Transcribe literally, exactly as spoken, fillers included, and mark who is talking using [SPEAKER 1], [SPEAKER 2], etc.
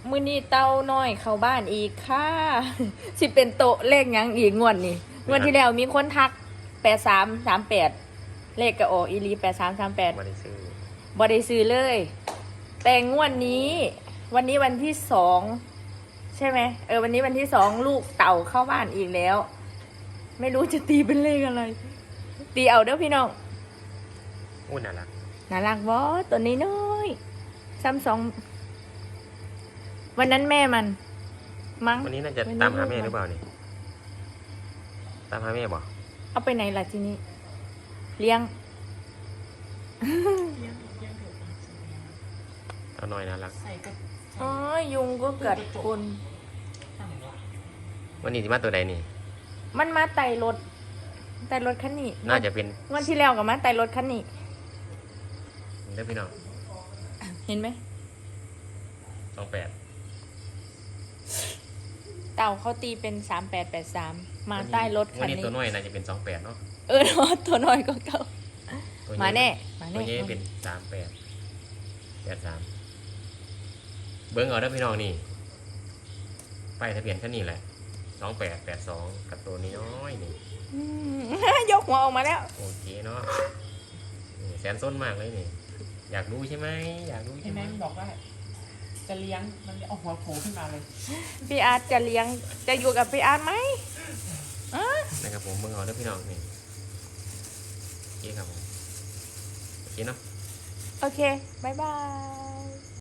[SPEAKER 1] มื้อนี้เต้าน้อยเข้าบ้านอีกค่ะสิเป็นโตะเลขยังอีกงวดนี่งวดที่แล้วมีคนทักแปดสามสามแปดเลขก็ออกอีหลีแปดสามสามแปด
[SPEAKER 2] บ่ได้ซื้อ
[SPEAKER 1] บ่ได้ซื้อเลย แต่งวดนี้ วันนี้วันที่สองใช่ไหมเออวันนี้วันที่สองลูกเต่าเข้าบ้านอีกแล้ว ไม่รู้จะตีเป็นเลขอะไร ตีเอาเด้อพี่น้อง
[SPEAKER 2] อู้น่ารัก
[SPEAKER 1] น่ารักบอตัวนี้น้อยซ้ำสองวันนั้นแม่มัน มั้ง
[SPEAKER 2] วันนี้น่าจะตามหาแม่หรือเปล่านี่ตามหาแม่บ่
[SPEAKER 1] เอาไปไหนล่ะทีนี้ เลี้ยง
[SPEAKER 2] เอาหน่อยน่ารัก
[SPEAKER 1] อ๋อยุงก็กัดคน
[SPEAKER 2] วันนี้สิมาตัวใดนี่
[SPEAKER 1] มันมาไต่รถไต่รถคันนี้
[SPEAKER 2] น่าจะเป็น
[SPEAKER 1] งวันที่แล้วกับมาไต่รถคันนี้
[SPEAKER 2] เด้อพี่น้อง
[SPEAKER 1] เห็นไหม
[SPEAKER 2] สองแปด
[SPEAKER 1] เต่าเขาตีเป็นสามแปดแปดสามมาใต้รถ
[SPEAKER 2] วั
[SPEAKER 1] คั
[SPEAKER 2] น
[SPEAKER 1] น
[SPEAKER 2] นี้
[SPEAKER 1] นี้
[SPEAKER 2] ตัวน้อยน่าจะเป็นสองแปดเนาะ
[SPEAKER 1] เออเนาะตัวน้อยก็เก่า
[SPEAKER 2] ตัวใหญ่
[SPEAKER 1] มาแน่มา
[SPEAKER 2] ตัว
[SPEAKER 1] แน่
[SPEAKER 2] ใหญ่เป็นสามแปดแปดสามเบิ้งเอาเด้อพี่น้องนี่ป้ายทะเบียนแค่นี้แหละสองแปดแปดสองกับตัวนี้น้อยนี่
[SPEAKER 1] อืม ยกหัวออกมาแล้ว
[SPEAKER 2] โอเคเนาะนี่แสนส้นมากเลยนี่ อยากรู้ใช่ไหมอยากรู้
[SPEAKER 3] ไอ้
[SPEAKER 2] ใช่ไหม
[SPEAKER 3] แม่งบอกว่า จะเลี้ยงมันเอาหัวโผล่ขึ้นมาเลย
[SPEAKER 1] พี่อาร์ตจะเลี้ยงจะอยู่กับพี่อาร์ตไหมอ่ะ
[SPEAKER 2] นะครับผมเบิ้งเอาเด้อพี่น้องนี่โอเคครับผมโอเคเนาะ
[SPEAKER 1] โอเคบายบาย